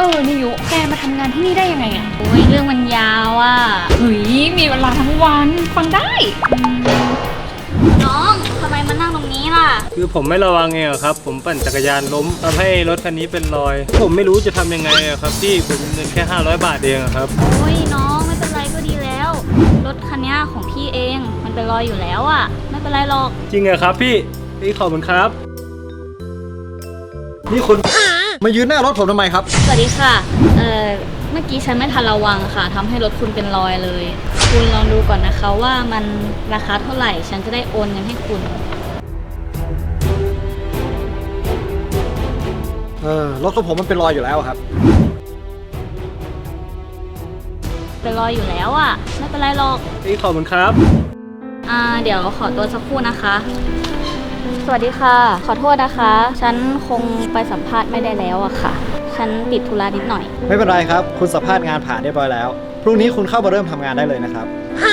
นิยุแกมาทำงานที่นี่ได้ยังไงอะโอ้ยเรื่องมันยาวอ่ะเฮ้ยมีเวลาทั้งวันฟังได้น้องทำไมมานั่งตรงนี้ล่ะคือผมไม่ระวังเองอะครับ ผมปั่นจักรยานล้มทำให้รถคันนี้เป็นรอย ผมไม่รู้จะทำยังไงอะครับพี่ผมมีเงินแค่500 บาทเองอะครับโอ้ยน้องไม่เป็นไรก็ดีแล้ว รถคันนี้ของพี่เองมันเป็นรอยอยู่แล้วอ่ะ ไม่เป็นไรหรอกจริงเหรอครับพี่ขอบคุณครับนี่คุณมายืนหน้ารถผมทำไมครับสวัสดีค่ะ เมื่อกี้ฉันไม่ทันระวังค่ะทำให้รถคุณเป็นรอยเลย คุณลองดูก่อนนะคะว่ามันราคาเท่าไหร่ ฉันจะได้โอนเงินให้คุณรถของผมมันเป็นรอยอยู่แล้วครับเป็นรอยอยู่แล้วอ่ะ ไม่เป็นไรหรอกพี่ขอบคุณครับเดี๋ยวขอตัวสักครู่นะคะ สวัสดีค่ะ ขอโทษนะคะ ฉันคงไปสัมภาษณ์ไม่ได้แล้วอะค่ะ ฉันติดธุระนิดหน่อยไม่เป็นไรครับ คุณสัมภาษณ์งานผ่านเรียบร้อยแล้ว พรุ่งนี้คุณเข้ามาเริ่มทำงานได้เลยนะครับ